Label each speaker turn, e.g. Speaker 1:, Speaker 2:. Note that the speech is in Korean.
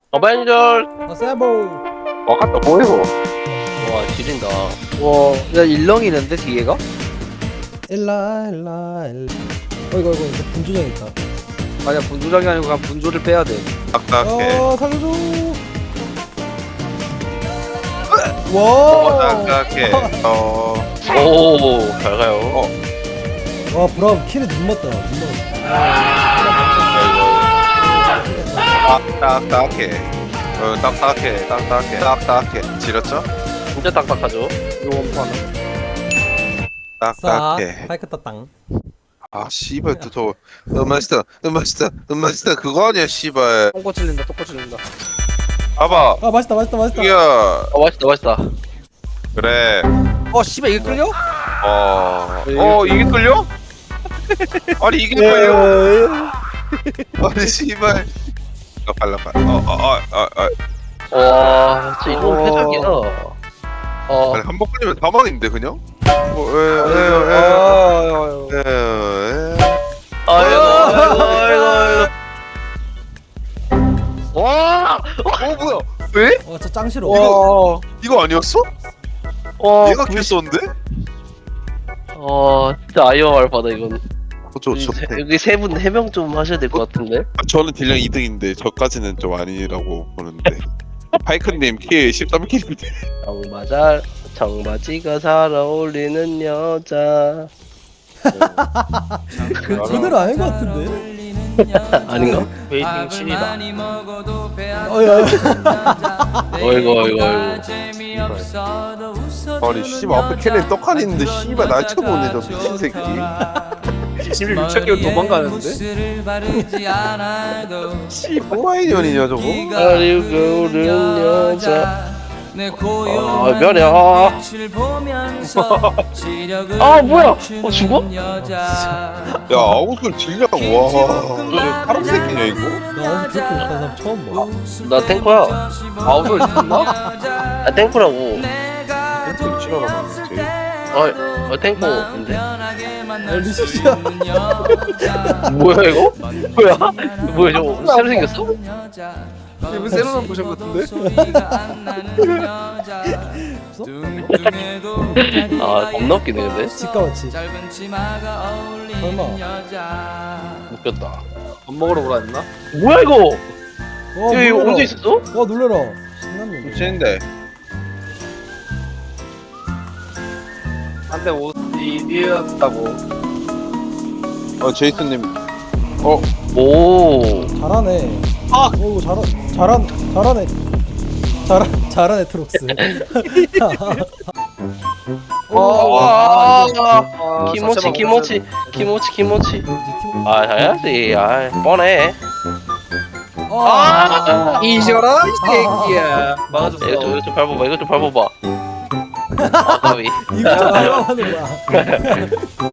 Speaker 1: 어벤져.
Speaker 2: 세보.
Speaker 3: 아까 뭐해고?
Speaker 1: 와 지린다.
Speaker 4: 와, 야 일렁이는데 뒤에가?
Speaker 2: 일라. 이거 분주장 있다.
Speaker 4: 아니야 분조장이 아니고 그냥 분조를 빼야 돼.
Speaker 3: 딱딱해.
Speaker 2: 살려줘. 와.
Speaker 3: 딱딱해.
Speaker 1: 오, 잘 가요.
Speaker 2: 와 브라움 키를 눈 맞다.
Speaker 3: 딱딱해. 딱딱해. 지렸죠?
Speaker 1: 진짜 딱딱하죠.
Speaker 4: 이 원판은.
Speaker 3: 딱딱해.
Speaker 2: 파이크 따땅.
Speaker 3: 아 씨발 또 음마스터 그거 아니야 씨발.
Speaker 4: 똥꼬 찔린다 똥꼬 찔린다.
Speaker 3: 봐봐.
Speaker 2: 아 맛있다.
Speaker 3: 이야.
Speaker 1: 맛있다.
Speaker 3: 그래.
Speaker 4: 씨발 이게 끌려?
Speaker 3: 이게 끌려? 아니 이게 끌려? 아니 씨발. 발라.
Speaker 1: 와, 진짜 이건 패작이야.
Speaker 3: 아니 한번 끌리면 사망인데 그냥?
Speaker 1: 아이고. 와,
Speaker 3: 뭐야? 왜?
Speaker 2: 저 짱 싫어.
Speaker 3: 이거 아니었어?
Speaker 1: 와,
Speaker 3: 얘가 킬렀는데?
Speaker 1: 진짜 아이언 받아 이건.
Speaker 3: 좋대.
Speaker 1: 여기 세 분 해명 좀 하셔야 될 것 같은데.
Speaker 3: 저는 딜량 2등인데 저까지는 좀 아니라고 보는데. 파이크님 킬 13킬인데.
Speaker 1: 청바지가 잘 어울리는 여자.
Speaker 2: 그대로 아닌 것 같은데.
Speaker 1: 아닌가?
Speaker 4: 베이팅 신이다.
Speaker 1: 어이구.
Speaker 3: 아니 씨발 앞에 캔에 떡하니 있는데 씨발 날 쳐보네 저 미친 새끼.
Speaker 4: 집을 유착기로 도망가는데?
Speaker 3: 씨 뭐하이년이냐 저거?
Speaker 1: 아리고 여자. 미안해. 뭐야? 죽어?
Speaker 3: 야 아웃솔 딜량 와. 저 사람 새끼냐 이거?
Speaker 2: 나 어제 그렇게 못하는 사람 처음 봐.
Speaker 1: 나 탱커야.
Speaker 4: 아웃을 탔나?
Speaker 1: 아 탱커라고.
Speaker 3: 펜트 치러나갔지.
Speaker 1: 탱커인데.
Speaker 2: 리시야.
Speaker 1: 뭐야 이거? 뭐야 저거 새로 생겼어?
Speaker 4: 이분 새로운 모션 같은데?
Speaker 1: 겁나 웃기네 근데.
Speaker 2: 집가 맞지. 설마.
Speaker 1: 웃겼다.
Speaker 4: 밥 먹으러 오라 했나?
Speaker 1: 뭐야 이거?
Speaker 2: 와
Speaker 1: 이거
Speaker 2: 놀래라.
Speaker 1: 언제 있었어?
Speaker 2: 와 놀래라. 신났네.
Speaker 3: 미친데.
Speaker 4: 한때 옷이 이었다고.
Speaker 3: 제이슨님.
Speaker 1: 오.
Speaker 2: 잘하네. 오 잘하네. 잘하네 트록스.
Speaker 1: 키모치. 해야지. 뻔해.
Speaker 4: 이겨라 이 새끼야. 막아줬어.
Speaker 1: 이거 좀 밟아봐. 가위.
Speaker 2: 이거 좀 닮아가는 거야.